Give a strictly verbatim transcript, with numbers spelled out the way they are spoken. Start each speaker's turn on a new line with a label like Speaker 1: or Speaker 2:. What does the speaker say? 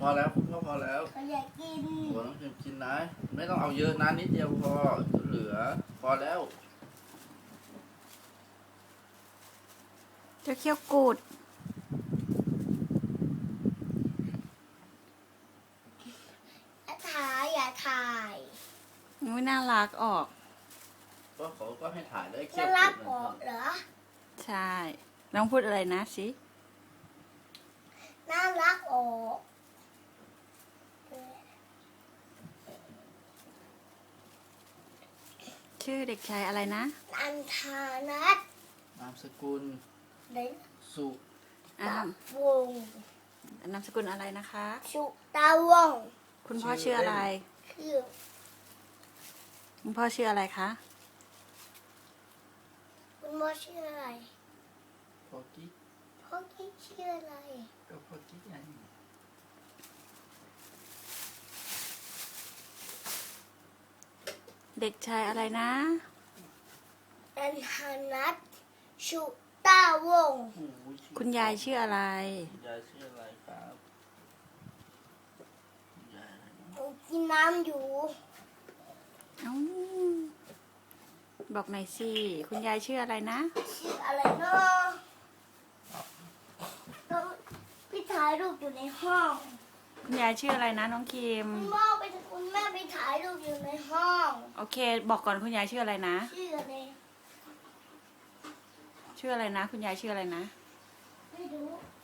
Speaker 1: อแล้วคุณพ่อพอแล้ว
Speaker 2: เขาอยากกิน
Speaker 1: หัวน้องพิมกินนะไม่ต้องเอาเยอะนะนิดเดียวพอเหลือพอแล้ว
Speaker 3: จะเคี้ยวกูด
Speaker 2: อย่าถ่ายอย่าถ่าย
Speaker 3: อุ้ยน่ารักออก
Speaker 1: ก็เขาก็ให้ถ่ายได้เคี่ย
Speaker 2: น่าว รัก
Speaker 1: กุด
Speaker 2: เหร
Speaker 1: นะ
Speaker 2: อ
Speaker 3: ใช่น้องพูดอะไรนะสิ
Speaker 2: น่ารักออก
Speaker 3: ชื่อเด็กชายอะไรนะ
Speaker 2: อันธานัท
Speaker 1: นามสกุล
Speaker 2: เด็ก
Speaker 1: สุ
Speaker 3: อ่าว
Speaker 2: งศ์
Speaker 3: นามสกุลอะไรนะคะ
Speaker 2: สุตาวงศ์
Speaker 3: คุณพ่อชื่ออะไร
Speaker 2: คือ
Speaker 3: คุณพ่อชื่ออะไรคะ
Speaker 2: คุณพ่อชื่ออะไร
Speaker 1: พ่อกิ๊ก
Speaker 2: พ่อกิ๊กชื่ออะไร
Speaker 1: ก็พ่อกิ๊กไง
Speaker 3: เด็กชายอะไรนะ
Speaker 2: อันธานัทสุตาวงศ์
Speaker 1: โอ้โหชื่อ
Speaker 3: คุณยายชื่ออะไร
Speaker 1: คุณยายชื่ออะไรครับคุณยายอะไรนะ
Speaker 2: หนูกินน้ำอยู่
Speaker 3: เอ้าบอกหน่อยสิ คุณยายชื่ออะไรนะ
Speaker 2: ชื่ออะไรเนาะน้องพี่ถ่ายรูปอยู่ในห้อง
Speaker 3: คุณยายชื่ออะไรนะน้องคิม
Speaker 2: คุณพ่อไปคุณแม่ไปถ่ายรูปอยู่ในห้อง
Speaker 3: โอเค บอกก่อนคุณยายชื่ออะไรนะ
Speaker 2: ชื่ออะไร
Speaker 3: ชื่ออะไรนะ คุณยายชื่ออะไรนะ
Speaker 2: ไม่รู้